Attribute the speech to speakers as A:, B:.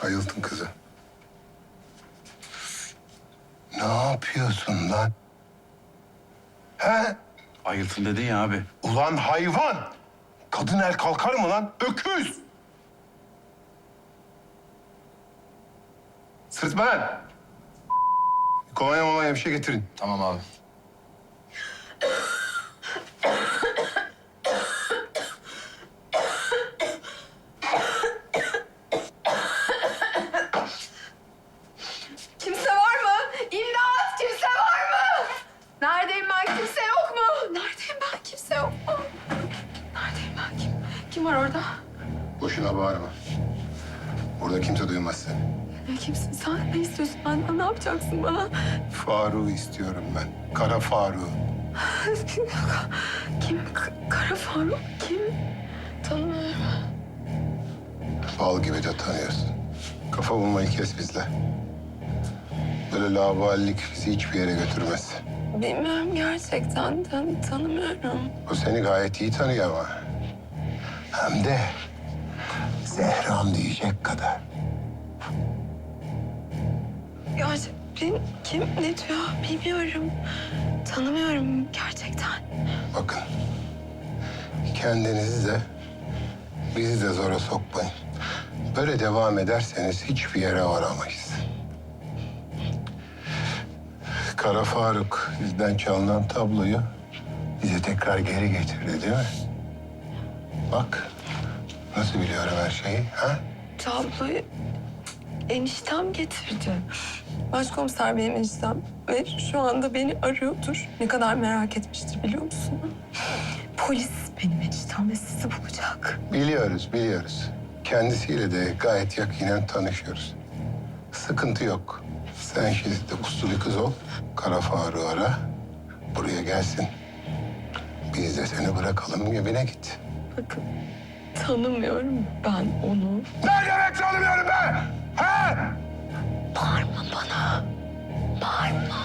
A: Ayıltın kızı. Ne yapıyorsun lan? He?
B: Ayıltın dedin ya abi.
A: Ulan hayvan! Kadın el kalkar mı lan? Öküz! Sırtma lan! Kolonya molanya bir şey getirin.
B: Tamam abi.
C: Kimse var mı? İmdat! Kimse var mı? Neredeyim ben? Kimse yok mu? Neredeyim ben? Kimse yok mu? Neredeyim ben? Kim var orada?
A: Boşuna bağırma. Burada kimse duymaz seni.
C: Ne kimsin sen? Ne istiyorsun benden? Ne yapacaksın bana?
A: Faruk'u istiyorum ben. Kara Faruk'u.
C: Kim? Kara Faruk kim? Tanımıyorum.
A: Bal gibi de tanıyorsun. Kafa bulmayı kes bizle. Böyle laubalilik bizi hiçbir yere götürmez.
C: Bilmiyorum gerçekten. Tanımıyorum.
A: O seni gayet iyi tanıyor ama. Hem de Zehram diyecek kadar.
C: Gerçekten kim? Ne diyor? Bilmiyorum. Tanımıyorum gerçekten.
A: Bakın. Kendinizi de bizi de zora sokmayın. Böyle devam ederseniz hiçbir yere varamayız. Kara Faruk bizden çalınan tabloyu bize tekrar geri getirdi değil mi? Bak nasıl biliyorum her şeyi ha?
C: Tabloyu eniştem getirdi. Başkomiser benim eniştem ve şu anda beni arıyordur. Ne kadar merak etmiştir biliyor musun? Polis benim eniştem ve sizi bulacak.
A: Biliyoruz. Kendisiyle de gayet yakinen tanışıyoruz. Sıkıntı yok. Sen şimdi de uslu bir kız ol. Kara Faruk'u ara. Buraya gelsin. Biz de seni bırakalım evine git.
C: Bakın tanımıyorum ben onu.
A: Ne demek tanımıyorum be? He?
C: Bağırma bana. Bağırma.